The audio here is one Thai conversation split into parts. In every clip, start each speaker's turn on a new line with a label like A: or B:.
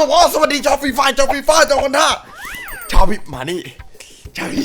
A: บอกว่าสวัสดีชาวฟรีไฟชาวฟรีไฟชาวคนท่าชาวพิมานี่ชาว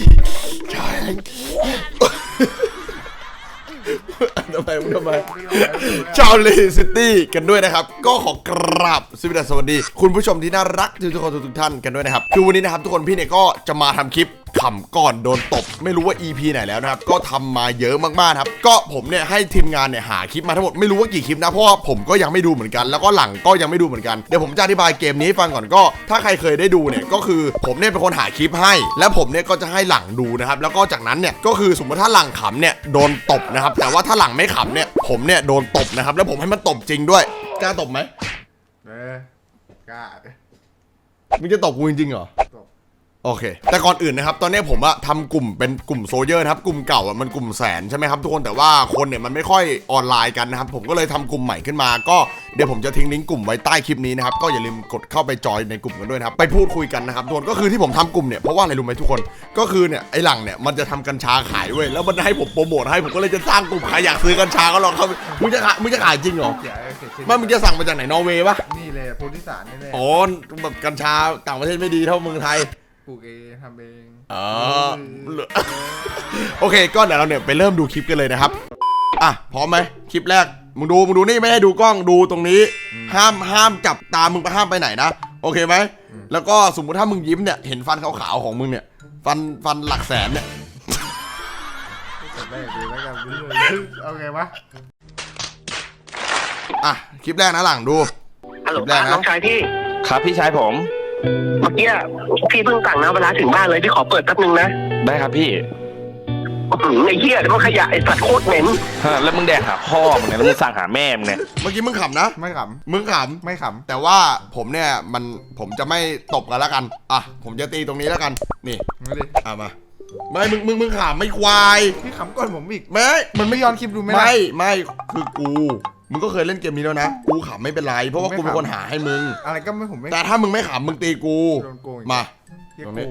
A: ทำไมชาวเลซิตี้กันด้วยนะครับก็ขอกราบสวัสดีคุณผู้ชมที่น่ารักทุกคนทุกท่านกันด้วยนะครับคือวันนี้นะครับทุกคนพี่เนี่ยก็จะมาทำคลิปขำก่อนโดนตบไม่รู้ว่า EP ไหนแล้วนะครับก็ทำมาเยอะมากๆครับก็ผมเนี่ยให้ทีมงานเนี่ยหาคลิปมาทั้งหมดไม่รู้ว่ากี่คลิปนะเพราะว่าผมก็ยังไม่ดูเหมือนกันแล้วก็หลังก็ยังไม่ดูเหมือนกันเดี๋ยวผมจะอธิบายเกมนี้ให้ฟังก่อนก็ถ้าใครเคยได้ดูเนี่ยก็คือผมเนี่ยเป็นคนหาคลิปให้แล้วผมเนี่ยก็จะให้หลังดูนะครับแล้วก็จากนั้นเนี่ยก็คือสมมติถ้าหลังขำเนี่ยโดนตบนะครับแต่ว่าถ้าหลังไม่ขำเนี่ยผมเนี่ยโดนตบนะครับแล้วผมให้มันตบจริงด้วยกล้าตบไหม
B: กล้า
A: มึงจะตบกูจริงๆเหรอโอเคแต่ก่อนอื่นนะครับตอนนี้ผมอะทำกลุ่มเป็นกลุ่มโซเยอร์ครับกลุ่มเก่าอะมันกลุ่มแสนใช่ไหมครับทุกคนแต่ว่าคนเนี่ยมันไม่ค่อยออนไลน์กันนะครับผมก็เลยทำกลุ่มใหม่ขึ้นมาก็เดี๋ยวผมจะทิ้งลิงก์กลุ่มไว้ใต้คลิปนี้นะครับก็อย่าลืมกดเข้าไปจอยในกลุ่มกันด้วยนะครับไปพูดคุยกันนะครับทุกคนก็คือที่ผมทำกลุ่มเนี่ยเพราะว่าอะไรรู้ไหมทุกคนก็คือเนี่ยไอ้หลังเนี่ยมันจะทำกัญชาขายเว้ยแล้วมันให้ผมโปรโมทให้ผมก็เลยจะสร้างกลุ่มใครอยากซื้อกัญชาก็ลองเข้ามึงจะขายจริงเหรอไม่มึงจะสั่งมาจากไหนนอร์เวย์ปะ
B: นี่เลยโพธิสารนี่เลย
A: อ๋อแบบกัญชาต่างประเทศไม่ดีเท่าเมืองไทย
B: ปลูกเองทำเอง
A: โอเคก็เดี๋ยวเราเนี่ยไปเริ่มดูคลิปกันเลยนะครับอ่ะพร้อมไหมคลิปแรกมึงดูนี่ไม่ให้ดูกล้องดูตรงนี้ห้ามจับตามึงห้ามไปไหนนะโอเคไหมแล้วก็สมมุติถ้ามึงยิ้มเนี่ยเห็นฟันขาวๆของมึงเนี่ยฟันหลักแสนเนี่ย
B: เอาไงวะ
A: อ่ะคลิปแรกนะหลังดู
C: ฮัลโหลน้องชายพี่
D: ครับพี่ชายผม
C: เมื่อกี้พี่เพิ่งสั่งนะเวลาถึงบ้านเลยพี่ขอเปิดแป๊บนึงนะ
D: ได้ครับพี่
C: ไอ้เหี้ยเดี๋ยวมันขยะไอ้สัตว์โคตรเหม็น
D: แล้วมึงแดกหาพ่อมึงไงแล้วมึงสั่งหาแม่มึงเนี่ย
A: เมื่อกี้มึงขำนะ
B: ไม่ข
A: ำมึงขำ
B: ไม่ข
A: ำแต่ว่าผมเนี่ยผมจะไม่ตบกันแล้วกันอ่ะผมจะตีตรงนี้แล้วกันนี่
B: มาดิ
A: มาไม่มึงขำไม่ควาย
B: พี่ขำก่อนผมอีก
A: ไม่
B: มันไม่ย้อนคลิปดู
A: ไม่คือมึงก็เคยเล่นเกมนี้แล้วนะกูขำไม่เป็นไรเพราะว่ากูเป็นคนหาให้มึง
B: อะไรก็ไม่ผมไม่
A: แต่ถ้ามึงไม่ขำมึงตีกูมาตรงนี้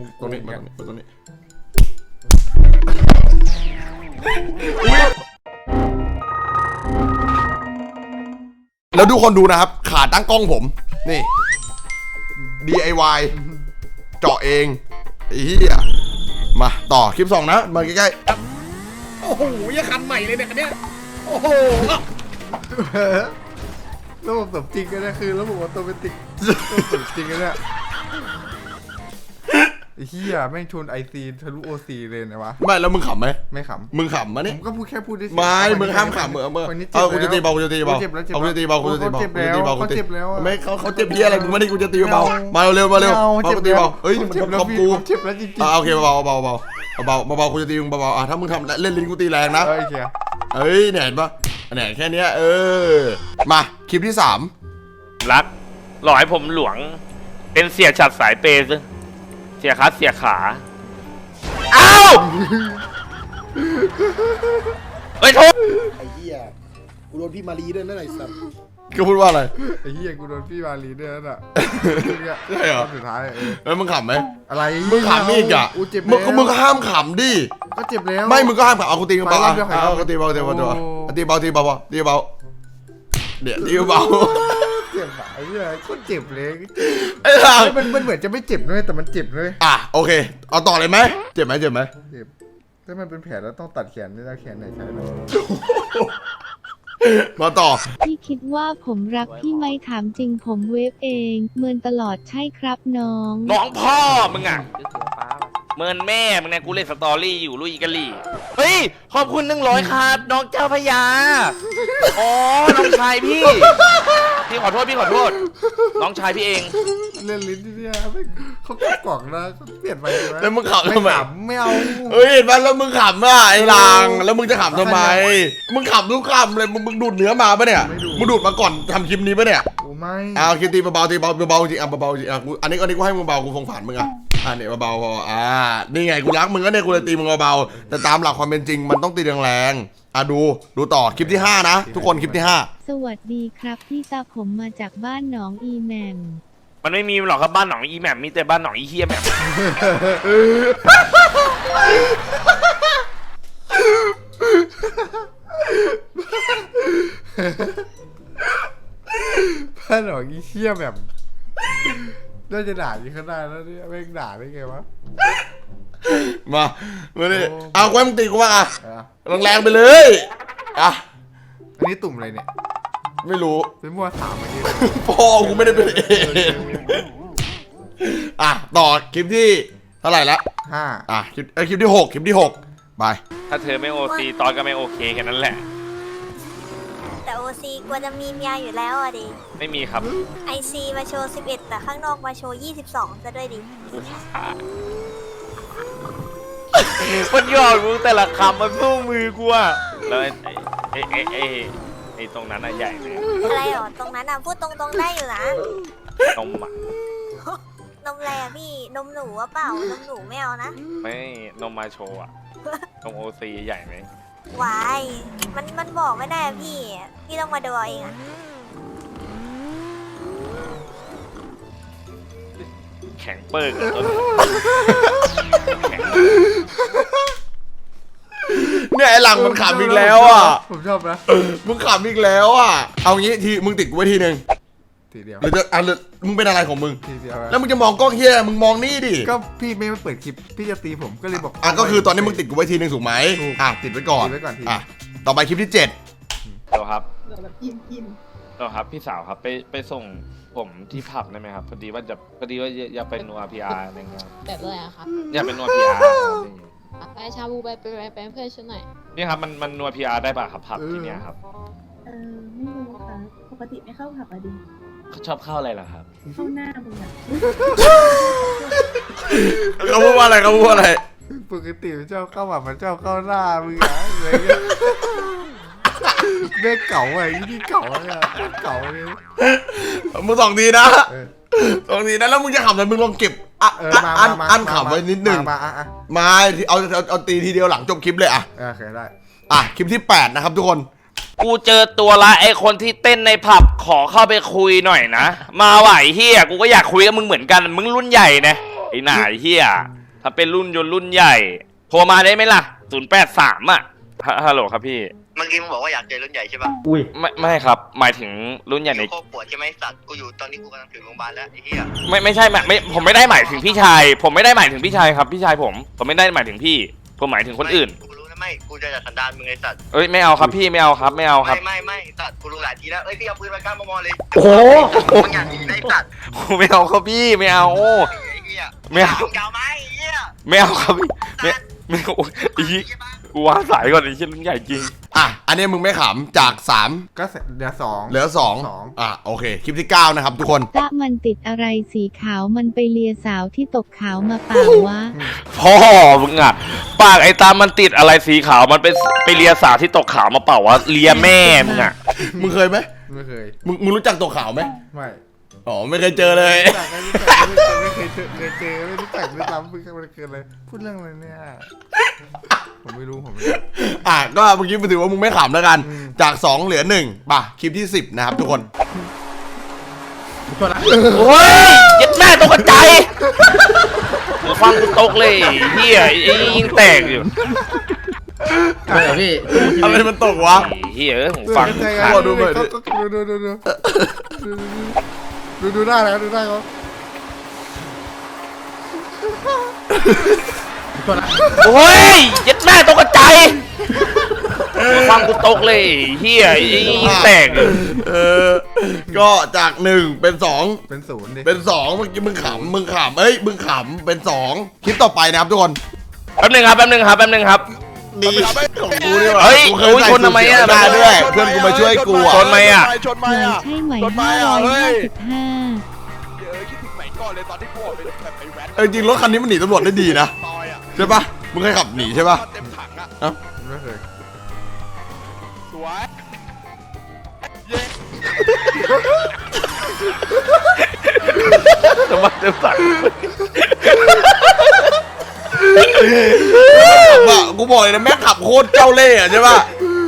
A: แล้วดูคนดูนะครับขาตั้งกล้องผมนี่ DIY เจาะเองไอ้เหี้ยมาต่อคลิป2นะมาใกล้ๆโอ้โหยังคันใหม่เลยเนี่ยคันเนี้ยโอ้โห
B: ระบบสมจริงกันนะคือระบบออโตเมติกสมจริงกันเนี่ยเฮียแม่งชนไอซีทะลุโอซีเลยนะวะ
A: ไม่แล้วมึงขำไหม
B: ไม่ขำ
A: มึงขำมาเนี่ย
B: ผมก็พูดแค่พูดได้
A: ไม่มึงห้ามขำกูจะตีเบากูจะตีเบากูจะตีเบากูจะตีเบา
B: เขาเจ็บแล้ว
A: ไม่เขาเจ็บเพี้ยอะไรมึงไม่ได้กูจะตีเบามาเร็วกูตีเบาเฮ้ยมันขำกู
B: เจ็บแล้วจริง
A: ๆโอเคเบากูจะตีมึงเบาถ้ามึงทำเล่นลิ้นกูตีแรงนะเฮ้ยเนี่ยเห็นปะเนี่ยแค่นี้มาคลิปที่3
D: รักหล่อให้ผมหลวงเป็นเสียฉัดสายเปย์ซะเสียขาเสียขาอ้าวเฮ้ยโทษ
E: ไอ้เหี้ยกูโดนพี่มารีด้วยนั่นไอ้สัส
A: ก็พูดว่าอะไร
B: ไอ้เหี้ยกูโดนพี่มารีด้วยนั่นอ่ะ
A: ใช่เหรอ
B: สุดท้าย
A: แล้วมึงขำไหม
B: อะไร
A: มึงขำอีกอ่ะมึงก็ห้ามขำดิ
B: ก็เจ็บแล้ว
A: ไม่มึงก็ห้ามขำเอากูตีมึงเบาเอากูตีเบาตีเบาเดี๋ยวตีเบา
B: เจ็บไอ้เหี้ยโคตรเจ็บเลยมันเหมือนจะไม่เจ็บด้วยแต่มันเจ็บเลย
A: โอเคเอาต่อเลยไหมเจ็บไหมเจ็บ
B: ถ้ามันเป็นแผลแล้วต้องตัดแขนด้วยนะแขนไหนใช้ไหม
A: มาต่อ
F: พี่คิดว่าผมรักพี่ไหมถามจริงผมเวฟเองเมินตลอดใช่ครับน้อง
D: พ่อมึงอ่ะเมินแม่มึงเนี่ยกูเล่นสตอรี่อยู่ลุยกะลี่เฮ้ยขอบคุณ100ครับน้องเจ้าพญาอ๋อน้องชายพี่ขอโทษน้องชายพี่เอง
B: เล่นลิ้นที่เนี่ยเขาเก็บกล่องนะเขาเปลี่ยนไป
A: แล้วมึงขำทำไม
B: ไม่เอา
A: เห็นป่ะแล้วมึงขำไอ้ลางแล้วมึงจะขำทำไมมึงขำทุกคำเลยมึงดูดเนื้อมาปะเนี่ยมึงดูดมาก่อนทำคลิปนี้ปะเนี่ย
B: ไม่
A: คิดตีเบาจริงเบาจริงอันนี้กูให้มึงเบากูสงสารมึงเนี่ยเบาพอนี่ไงกูรักมึงก็เนี่ยกูเลยตีมึงเบาแต่ตามหลักความเป็นจริงมันต้องตีแรงดูต่อคลิปที่5นะทุกคนคลิปที่5
F: สวัสดีครับพี่ตาผมมาจากบ้านหนองอีแหม่ม
D: มันไม่มีหรอกครับบ้านหนองอีแหม่มมีแต่บ้านหนองอีเฮียแหม่ม
B: บ้านหนองอีเฮียแหม่มน่าจะด่าที่ข้างหน้าแล้วเนี่ยแม่งด่าได้ไงวะ
A: มาดิ
B: โอ้
A: เอาไว้มึงตีกูว่าอ่ะ
B: อ่ะ
A: แรงๆไปเลยอ่ะ
B: อันนี้ตุ่มอะไรเนี่ย
A: ไม่รู้
B: เป็นมั่วถามเมื่อกี้
A: พ่อกูไม่ได้เป็นเองอ่ะต่อคลิปที่เท่าไหร่ละ
B: 5
A: อ่ะคลิปที่6คลิปที่6ไป
D: ถ้าเธอไม่โอซีตอนก็ไม่โอเคแค่นั้นแหละ
G: แต่โอซีกลัวจะมีเมียอยู่แล้วอ่ะดิ
D: ไม่มีครับ
G: ไอซีมาโชว์ 11 แต่ข้างนอกมาโชว์ 22 จะด้วยดิ
D: มันยอดมึงแต่ละคำมันสู้มือกูอะแล้วไอ้ตรงนั้นอะใหญ่เลย
G: อะไรหรอ ตรงนั้นอ่ะ พูดตรงๆได้อยู่นะ
D: นมอะ
G: นมอะไรอ่ะพี่ นมหนูวะเปล่า นมหนูไม่เอานะ
D: ไม่นมมาโชว์อะนมโอซีใหญ่ไหม
G: วาย มันบอกไม่ได้อะพี่ พี่ต้องมาดูเอาเองอ่ะ
D: แข็งเปิกอะต้นแข็ง
A: เนี่ยไอ้หลังมันขำอีกแล้วอ่ะ
B: ผมชอบนะ
A: มึงขำอีกแล้วอ่ะเอางี้ทีมึงติดกูไว้ทีนึง
B: ทีเดียว
A: หรือจะอ่ะหรือมึงเป็นอะไรของมึง
B: ทีเดียว
A: แล้วมึงจะมองกล้องเฮียมึงมองนี่ดิ
B: ก็พี่ไม่มาเปิดคลิปพี่จะตีผมก็เลยบอก
A: อ่ะก็คือตอนนี้มึงติดกูไว้ทีนึงถูกไหม
B: ถูก
A: อ่ะติดไว้ก่อน
B: ติดไว้ก่อนที
A: อ่ะต่อไปคลิปที่7
D: ตัวครับตัวครับพี่สาวครับไปส่งผมที่ผับได้ไหมครับพอดีว่าอยากไปนัวพีอาร์อะไรเงี้ย
H: แบบอะไรอะครับ
D: อยากเป็นนัวพีอาร์
H: ไปชาบูไปเป็นเพื่อนฉันหน่อย
D: นี่ครับมันนัวพีอาร์ได้ป่ะครับผับที่เนี้ยครับ
I: ไม่รู้ค่ะ ปกติไม่เข้าผับอะดิ
D: เขาชอบเข้าอะไรล่ะครับ
I: เข้าหน้ามึงอะ
A: เขาพูดว่าอะไรเขาพูดว่าอะไร
B: ปกติมันชอบเข้าแบบมันชอบเข้าหน้ามึงอะอะไรเงี้ยเด็กเก่าไอ้ที่เก่าเนี่ยเก่าเลย
A: มึงสองทีนะ
B: เออ
A: สองทีนะแล้วมึงจะขำอะไรมึงลองเก็บอ่ะ
B: เออมา
A: อันขำไว้นิดนึง
B: มาอ่ะ
A: มาเอาตีทีเดียวหลังจบคลิปเลยอ่ะ
B: โอเคได้
A: อ่ะคลิปที่8นะครับทุกคน
D: กูเจอตัวละไอคนที่เต้นในผับขอเข้าไปคุยหน่อยนะ มาไหวเฮียกูก็อยากคุยกับมึงเหมือนกันมึงรุ่นใหญ่นะไอ้หน่าเฮียถ้าเป็นรุ่นยนต์รุ่นใหญ่โทรมาได้ไหมล่ะ083อ่ะฮัลโหลครับพี่
C: เมื่อกี้มึงบอกว่าอยากเจอรุ่นใหญ่ใช่ปะ
D: ไม่ครับ หมายถึงรุ่นใหญ่ใน
C: โคตรปวดใช่ไหมสัตว์กูอยู่ตอนนี้กูกำลังถึงโรงพยาบาลแล้วไอ้เหี้ย
D: ไม่ใช่ไม่ผมไม่ได้หมายถึงพี่ชาย ผมไม่ได้หมายถึงพี่ชายครับพี่ชายผมไม่ได้หมายถึงพี่ ผมหมายถึงคนอื่น
C: กูรู้นะไม่กูจะจัดสันดานมึงไอ้สัตว์
D: เอ้ยไม่เอาครับพี่ไม่เอาครับไม่เอาครับ
C: ไม่สัตว์กูรู้หลายทีแล้วเอ้ยพี่เอาปืนมาก้ามามอเลย
A: โอ้โห
C: มึงอยากหนีไอ้สัตว์
D: ไม่เอาครับพี่ไม่เอา
C: ไอ้เหี้ย
D: ไม่เอา
C: เก่าไหมไอ้เหี้ย
D: ไม่เอาครับพี่ไม่โอ้ยไอ้เหี้ยกูวางสายก่อนไอ้เชี่ยรุ่นใหญ่จริง
A: อ่ะอันนี้มึงไม่ขำจาก3
B: ก็เหลือ2
A: เหลือ2อ่ะโอเคคลิปที่9นะครับทุกคน
F: ตะมันติดอะไรสีขาวมันไปเลียสาวที่ตกขาวมาเปล่าวะ
D: พ่อมึงอ่ะปากไอ้ตามันติดอะไรสีขาวมันไปเลียสาวที่ตกขาวมาเปล่าวะเลียแม่มึงอ่ะ
A: มึงเคยไหม
B: ไม่เคย
A: มึงรู้จักตัวขาวไหม
B: ไม่
A: อ๋อไม่เคยเจอเลย
B: รู้จักไม่เคยเจอไม่รู้จักด้วยซ้ำมันเกินเลยพูดเรื่องอะไรเนี่ยผมไม่รู้
A: อ่ะก็เมื่อกี้ถือว่ามึงไม่ขำแล้วกัน จาก2เหลือ1ป่ะคลิปที่10นะครับทุกคน
D: โอ้ยยัดแม่ตกใจหูฟังกูตกเลยเฮียไอ้ยิงแตกอยู่
A: อะไรมันตกวะ
D: เฮียหูฟังกูขาด
A: ดูหน่อยดิ
B: ดูได้แล้วดูได้เขา
D: โอ้ยยัดแม่ตกใจหูฟังกูตกเลยเฮียไอ้ยิงแตกอยู่
A: ก็จาก1เป็น2
B: เป็น0ดิ
A: เป็น2เมื่อกี้มึงขำเอ้ยมึงขำเป็น2คลิปต่อไปนะครับทุกคน
D: แป๊บนึงครับ
A: ดีของกูดีกว่า
D: เฮ้ย
A: กูเค
D: โอ้ย
A: ใส่
D: ชนทำไมอะ
A: สูทสีด้วยเพื่อนกูมาช่วยกูอ่ะ
D: ชนไหมอ่ะ
F: ใช่ไหม555
A: จริงรถคันนี้มันหนีตำรวจได้ดีนะใช่ปะมึงเคยขับหนีใช่ปะ
B: ไม่เคย
D: ทำไมเต็มสั่ง
A: กูบอกเลยนะแม่งขับโคตรเจ้าเล่ห์อะใช่ปะ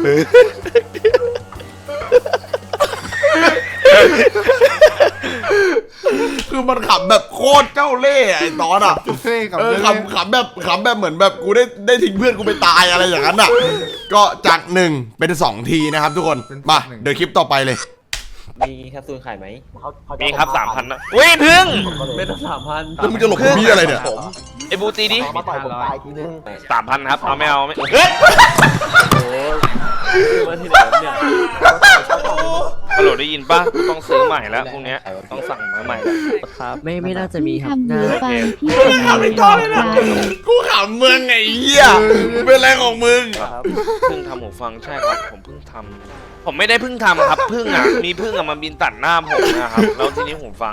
A: คือมันขับแบบโคตรเจ้าเล่ห์อะไอ้ตอนอ่ะ
B: เท่กับ
A: ขำแบบเหมือนแบบกูได้ทิ้งเพื่อนกูไปตายอะไรอย่างนั้นอ่ะ ก็จาก1เป็น2ทีนะครับทุกคนมาเดี๋ยวคลิปต่อไปเลย
J: มีแคปซูลขายไหม
D: มีครับ 3,000นะอุ้ยพึ่ง
J: ไม่ต้อง3,000
A: แล้วมึงจะหลบกับพี่อะไรเนี่ย
D: ไอ้บูตีดิ
J: มาต่อยผมตายทีนึง
D: 3,000ครับเอาไม่เอาไม่เฮ้ย
J: โอ้มาที่ไหนเนี่ย
D: ฮัลโหลได้ยินป่ะกูต้องซื้อใหม่แล้วพวกเนี้ยต้องสั่งมาใหม่แล้ว
J: ครับไม่น่าจะมีครับ
F: ทำหูฟังที่
A: มึงขำไม่ต้องเลยนะกูขำมึงไงเหี้ยมึงเป็นอะไรของมึง
D: ครับเพิ่งทำหูฟังใช่ครับผมเพิ่งทำผมไม่ได้เพิ่งทำครับเพิ่งอ่ะมีเพิ่งอ่ะมาบินตัดหน้าผมนะครับแล้วทีนี้หูฟัง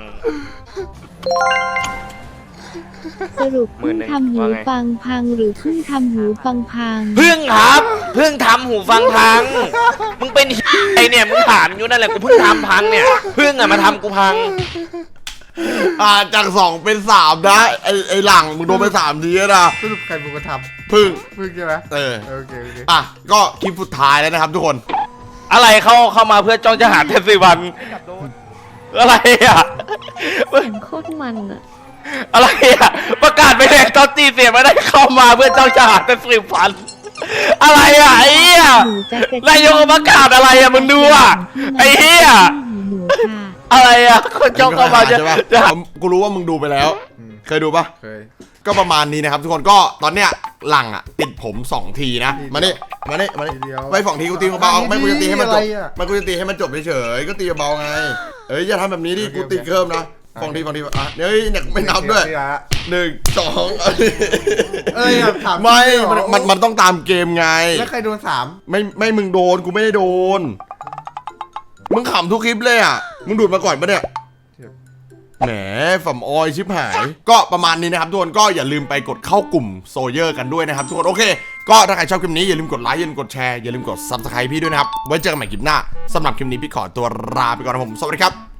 F: สรุปเพิ่งทำหูฟังพังหรือเพิ่งทำหูฟังพัง
D: เพิ่งครับเพิ่งทำหูฟังพังมึงเป็นไอเนี่ยมึงถามอยู่นั่นแหละกูเพิ่งทำพังเนี่ยเพิ่งอ่ะมาทำกูพัง
A: จาก2เป็น3นะไอ้หลังมึงโดนไป3ทีแล้วนะ
B: สรุปใครเป็นคนท
A: พึ่ง
B: ำมึงใช่ไหม
A: เออ
B: โอเคโอเค
A: อ่ะก็คลิปสุดท้ายแล้วนะครับทุกคน
D: อะไรเข้ามาเพื่อจ้องจะหาเทศวันอะไรอ่ะ
H: เสียงโคตรมันอะ
D: อะไรอ่ะประกาศไปเลยตอนตีเสียไม่ได้เข้ามาเพื่อจ้องจะหาเทศวันอะไรอ่ะไอ้เหี้ย
F: หนูจะกระ
D: นายกประกาศอะไรอ่ะมึงดูอ่ะไอ้เหี้ย
F: หนูค่ะ
D: อะไรอ่ะคนจ้องเข้ามาจะ
A: ใช่ปะ
D: จะหา
A: กูรู้ว่ามึงดูไปแล้ว เคยดูปะ
B: เคย
A: ก็ประมาณนี้นะครับทุกคนก็ตอนเนี้ยหลังอ่ะติดผม2ทีนะมานี่ไป2ทีกูตีเบาๆไม่กูจะตีให้มันจบไม่กูจะตีให้มันจบเฉยๆก็ตีเบาๆไงเอ้ยอย่าทำแบบนี้ดิกูตีเพิ่มนะ2ทีอ่ะเฮ้ยเนี่ยไม่นับด้วย1 2
B: อยากถาม
A: ไม่มันต้องตามเกมไง
B: แล้วใครโดน3
A: ไม่มึงโดนกูไม่ได้โดนมึงขำทุกคลิปเลยอ่ะมึงดูดมาก่อนปะเนี่ยแหมฝ่ำออยชิบหายก็ประมาณนี้นะครับทุกคนก็อย่าลืมไปกดเข้ากลุ่มโซเยอร์กันด้วยนะครับทุกคนโอเคก็ถ้าใครชอบคลิปนี้อย่าลืมกดไลค์อย่าลืมกดแชร์อย่าลืมกด Subscribe พี่ด้วยนะครับไว้เจอกันใหม่คลิปหน้าสำหรับคลิปนี้พี่ขอตัวลาไปก่อนนะผมสวัสดีครับ